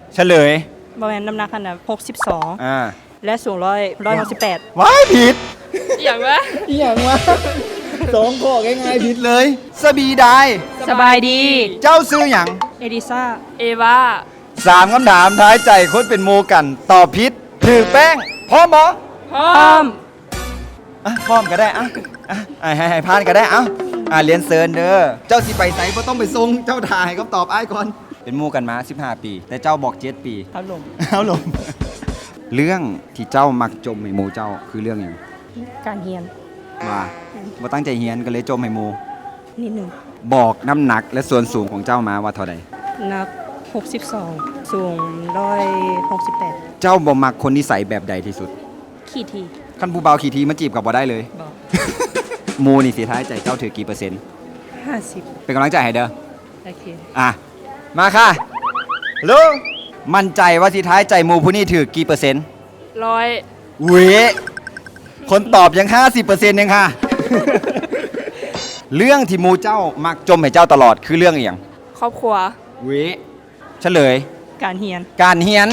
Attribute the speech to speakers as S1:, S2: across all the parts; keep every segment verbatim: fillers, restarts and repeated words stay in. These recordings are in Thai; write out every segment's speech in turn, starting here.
S1: เฉลย
S2: บริเวณน้ำหนักขนาดหกสิบสอง
S1: อ่า
S2: และสูงร้อยร้อยหกสิบแปด
S1: ว้ายผิด
S3: อย่างวะ
S1: อีหยังวะสองข้อง่ายๆผิดเลยสบีไดาย
S2: สบายดี
S1: เจ้าซื้อหยัง
S2: เอดิซ่า
S3: เอวา
S1: สามคำถามท้ายใจคนเป็นโมกันตอบผิดถือแป้งพร้อมบอ
S3: พร้อ
S2: พร้อ
S3: ม
S2: ม
S1: อ่ะพร้อมก็ได้อ่ะอ่ะอ่ะให้ให้พานก็ได้เอ้าอ่ะเรียนเซิร์นเด้อเจ้าสิไปไสบ่ต้องไปส่งเจ้าถ่ายคำตอบอ้ายก่อนเป็นโมกันมาสิบห้าปี แต่เจ้าบอกเจ็ดปี
S2: ครับลม
S1: เอาลง เรื่องที่เจ้ามักจมให้โมเจ้าคือเรื่องหยัง
S2: การเฮียน
S1: ว่าบ่ตั้งใจเฮียนก็เลยจมให้โม
S2: นิดหนึ่ง
S1: บอกน้ำหนักและส่วนสูงของเจ้ามาว่าเท่าใด
S2: นักหกสิบสองสูงร้อยหกสิบแปด
S1: เจ้าบ่มักคนนิสัยแบบใดที่สุด
S2: ขี่ที
S1: ขั้นผู้เบาขี่ทีมาจีบกับบ่ได้เลย
S2: บอก
S1: โมนี่สิท้ายใจเจ้าถือกี่เปอร์เซ็นต์
S2: ห้าสิบ
S1: เป็นกำลังใจให้เด้อ
S2: โอเค
S1: อ่ะ มาค่ะลุงมั่นใจว่าสิท้ายใจโมผู้นี้ถือกี่เปอร์เซ็นต์
S3: ร้อย
S1: เว้ยคนตอบยัง ห้าสิบเปอร์เซ็นต์ ยังค่ะ เรื่องที่โมเจ้ามักจมให้เจ้าตลอดคือเรื่องอหย่าง
S3: ครอบครัว
S1: เว้ยเฉลย
S2: การเฮียน
S1: การเฮียน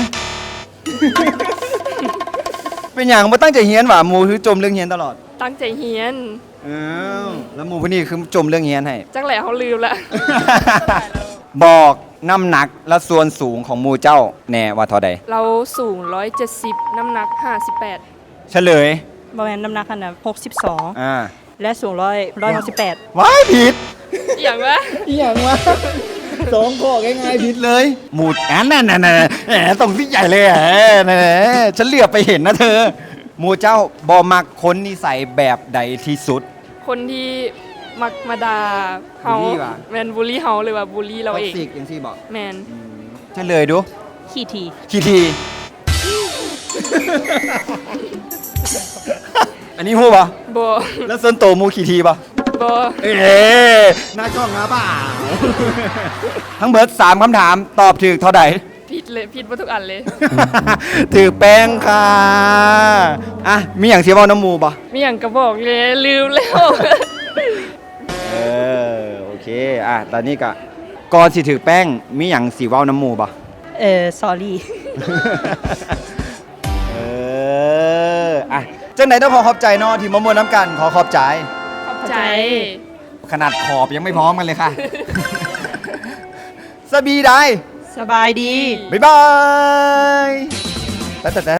S1: เป็นอย่างบ่ตั้งใจเฮียนหว่าโมคือจมเรื่องเฮียนตลอด
S3: ตั้งใจเฮียน
S1: อ้าวแล้วโมผู้นี้คือจมเรื่องเฮียนให้
S3: จักแหล่เขาลืมละ
S1: บอกน้ำหนักและส่วนสูงของหมูเจ้าแน่ว่าเท่าใด
S3: เราสูงร้อยเจ็ดสิบน้ำหนักห้าสิบแปด
S1: เฉลย
S2: บริเวณน้ำหนักขนาดหกสิบสอง
S1: อ่า
S2: และสูงร้อยร้อยหกสิบแปด
S1: ว้ายผิด
S3: อย่างวะ
S1: อีหยังวะสองข้อง่ายๆผิดเลยหมูแอนนั่นน่ะน่ะแหมตรงที่ใหญ่เลยแหมนั่นฉันเหลือบไปเห็นนะเธอหมูเจ้าบอมักคนนิสัยแบบใดที่สุด
S3: คนที่มักมาดาเฮา
S1: บูลลี่ว่ะ
S3: แมนบูลลี่เฮาเลยว่าบูลลี่เราเอง
S1: ท็กซิกอย่างที่บอก
S3: แมน
S1: เฉลยดู
S2: ขี่ที
S1: คีที อันนี้ฮู้ปะ
S3: บอ
S1: แล้วส่วนโตวหมูคีทีปะ
S3: บอ
S1: เอ๊ะหน้ากล้องนะเปล่า ทั้งเบิร์ดสามคำถามตอบถูกเท่าใด
S3: ผิดเลยผิดมาทุกอันเลย
S1: ถือแป้งค่ะ อ่ะ มีอย่างเสียว่าน้ำมูปะ
S3: มีอย่างกระบอกเลยลืมแล้ว
S1: เออ โอเค อ่ะ ตอนนี้ก็ก่อนสิถือแป้ง มีอย่างสีว่าน้ำมูปะ
S2: เออ สอรี่
S1: เออ อ่ะจังไหนต้องขอขอบใจเนาะที่มามวนน้ำกัน ขอขอบใจ
S3: ขอบใจ
S1: ขนาดขอบยังไม่พร้อมกันเลยค่ะ สบีได้
S2: สบายดี
S1: บ๊ายบายแต่แต่